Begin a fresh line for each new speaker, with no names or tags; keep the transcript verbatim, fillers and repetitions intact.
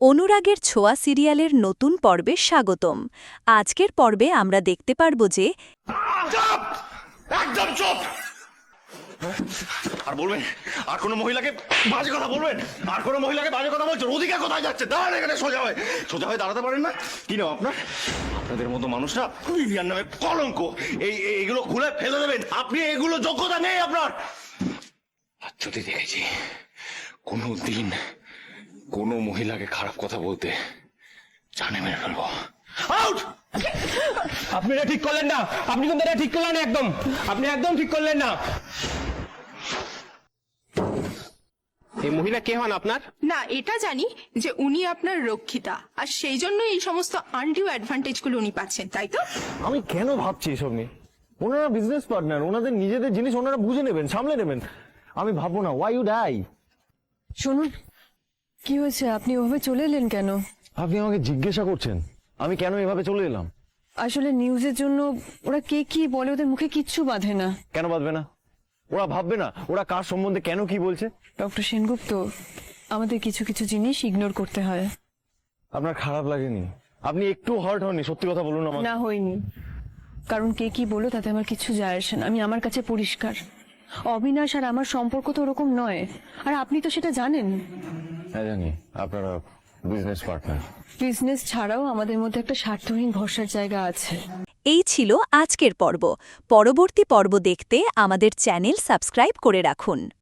অনুরাগের ছোঁয়া সিরিয়ালের নতুন পর্বে স্বাগতম। আজকের পর্বে আমরা দেখতে পারব যে
চুপ! একদম চুপ! আর বলবেন আর কোনো মহিলাকে বাজে কথা বলবেন আর কোনো মহিলাকে বাজে কথা বলছেন অধিকার কোথায় যাচ্ছে দাঁড়ান এখানে সোজা হয়ে সোজা হয়ে দাঁড়াতে পারেন না কি নাম আপনার আপনাদের মতো মানুষরা বিবিয়ার নামে কলঙ্ক এই এই- এইগুলো খুলে ফেলে দেবেন আপনি এগুলো যোগ্যতা নেই আপনার আর যদি দেখেছি কোনো দিন কোনো মহিলাকে খারাপ কথা বলতে জানে মেরে ফেলবো আউট
আপনি এটা ঠিক করলেন না, আপনি কিন্তু এটা ঠিক করলেন না একদম, আপনি একদম ঠিক করলেন না। এই মহিলা কে হন আপনার?
না, এটা জানি যে উনি আপনার রক্ষিতা, আর সেই জন্য এই সমস্ত আনডিউ অ্যাডভান্টেজ গুলো উনি পাচ্ছেন, তাই তো?
আমি কেন ভাবছি এসব নিয়ে? ওনারা বিজনেস পার্টনার, ওনাদের নিজেদের জিনিস ওনারা বুঝে নেবেন, সামলে নেবেন। আমি ভাববো না। Why you die?
শুনুন, কি হয়েছে? আপনি ওভাবে চলে এলেন কেন?
আপনি আমাকে জিজ্ঞাসা করছেন আমি কেন এভাবে চলে এলাম?
আসলে নিউজের জন্য ওরা কে কি বলে ওদের মুখে কিচ্ছু বাঁধে না।
কেন বাঁধবে না? ওরা ভাববে না ওরা কার সম্বন্ধে কেন কি বলছে?
ডক্টর সেনগুপ্ত, আমাদের কিছু কিছু জিনিস ইগনোর করতে হয়।
আপনার খারাপ লাগেনি? আপনি একটু হার্ট হননি? সত্যি কথা বলুন আমাকে।
না, হয়নি। কারণ কে কি বলো তাতে আমার কিছু যায় আসে না। আমি আমার কাছে পরিষ্কার, অবিনাশ আর আমার সম্পর্ক তো ওরকম নয়, আর আপনি তো সেটা জানেন।
হ্যাঁ জানি, আপনারা বিজনেস পার্টনার।
বিজনেস ছাড়াও আমাদের মধ্যে একটা স্বার্থহীন ভরসার জায়গা আছে।
এই ছিল আজকের পর্ব। পরবর্তী পর্ব দেখতে আমাদের চ্যানেল সাবস্ক্রাইব করে রাখুন।